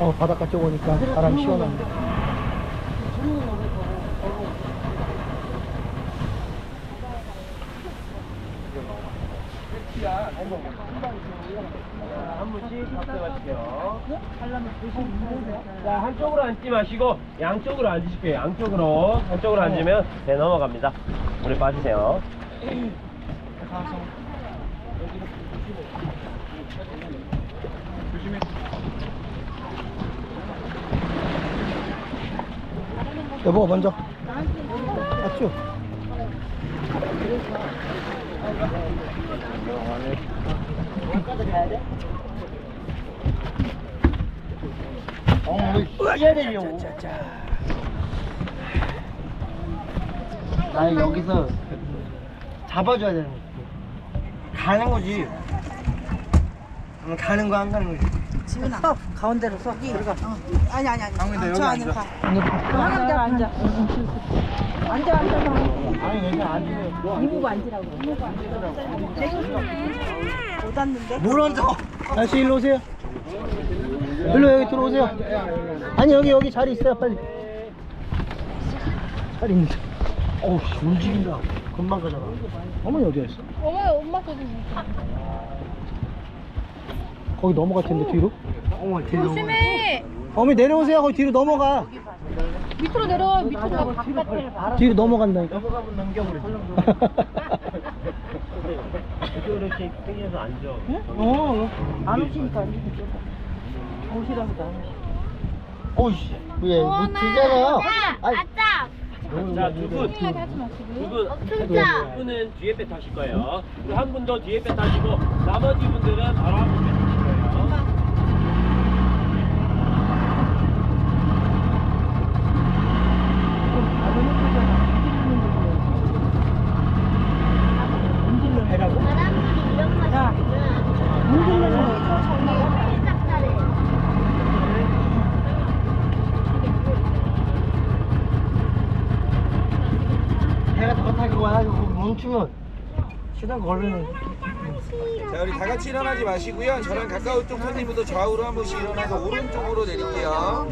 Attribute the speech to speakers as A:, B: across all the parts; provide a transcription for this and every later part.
A: 바닷가 쪽 오니까 바람 시원한데.
B: 한 분씩 합성하실게요. 자, 한쪽으로 앉지 마시고 양쪽으로 앉으실게요. 양쪽으로. 한쪽으로 앉으면 배 넘어갑니다. 물에 빠지세요.
A: 여보 먼저. 맞죠?
C: 해야 되려고. 아니 여기서 잡아줘야 되는 거지. 가는 거지. 가는 거 안 가는 거지.
D: 지훈아, 가운데로 서. 들어가. 아니. 저 안에 가.
E: 앉아.
D: 앉아.
C: 아니 괜찮아 앉으면.
D: 이모가 앉으라고. 못 앉는데?
C: 뭘 앉아?
A: 아저씨 일로 오세요. 일로 여기 들어오세요. 아니 여기 자리 있어요 빨리. 자리 있는데.
C: 어우 움직인다. 금방 가잖아.
A: 어머니 어디 갔어?
E: 엄마 거기
A: 거기 넘어갈 텐데 뒤로.
C: 어머 대박.
E: 조심해.
A: 어머니 내려오세요. 거기 뒤로 넘어가.
E: 밑으로 내려와. 밑으로 바깥을 바로.
A: 뒤로 넘어간다니까.
C: 넘어가면 넘겨버리지.
B: 이렇게 땡겨서 앉아.
D: 안 오시니까 안 오시니까. 오시라고도 안 오시.
C: 어이씨. 왜? 뭐 되잖아. 아이.
E: 아짜.
B: 자, 두 분.
E: 심하게 하지 마시고.
B: 두 분.
E: 없습니다.
B: 두 분은 뒤에 배 타실 거예요. 그리고 한 분 더 뒤에 배 타시고 나머지 분들은 바로 앞에 배 타실 거예요.
E: 바람불이 이런 맛이구나. 문질러서 살짝 잘해.
C: 배가 더 타고 와가지고 멈추면 시간 걸리는.
F: 자, 우리 다 같이 일어나지 마시고요. 저랑 가까운 쪽 손님부터 좌우로 한 번씩 일어나서 오른쪽으로 내릴게요.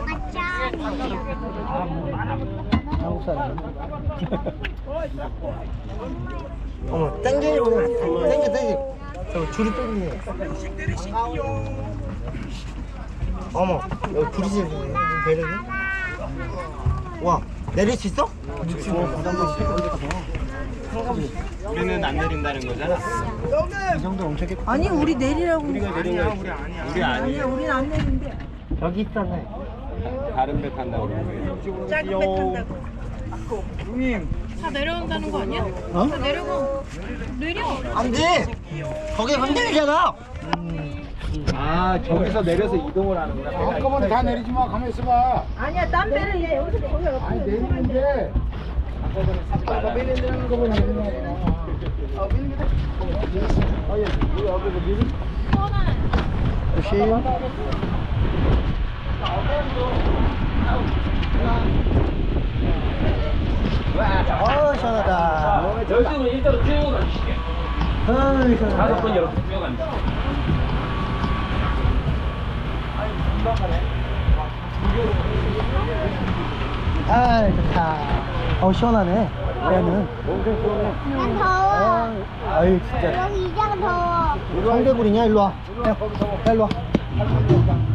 A: 한국 사람.
C: 어머 땡기고 땡겨. 저 줄이 땡기네. 어머 여기 부딪히는 배를. 와 내릴 수 있어?
F: 우리는 안 내린다는 거잖아.
A: 이 정도 엄청 깨끗.
D: 아니, 우리 내리라고.
F: 우리 아니야. 우리 아니야.
D: 우리는 안 내린대.
C: 여기 있잖아.
F: 다른 배 탄다고 그러고요.
D: 작은 배 탄다고.
E: 다 내려온다는 거 아니야?
A: 어?
E: 다 내려가. 내려.
C: 안 돼. 거기 흔들리잖아.
F: 아, 저기서 내려서 이동을 하는구나.
G: 한꺼번에 다 내리지 마. 가만히 있어봐.
D: 아니야, 딴 배를 얘 여기서 거기
G: 아니 내리는데 아까 내리는 거 보면 내리는 거야.
A: 조심. 시원하다.
B: 열심히 일자로 쭉 앉으실게요.
A: 시원하다.
B: 다섯 분 이렇게 쭉 앉으실게요.
A: 아 좋다. 시원하네. 얘는.
E: 난 더워.
A: 아유 진짜.
E: 여기 이장 더워.
A: 성대구리냐? 일로 와. 야 일로 와.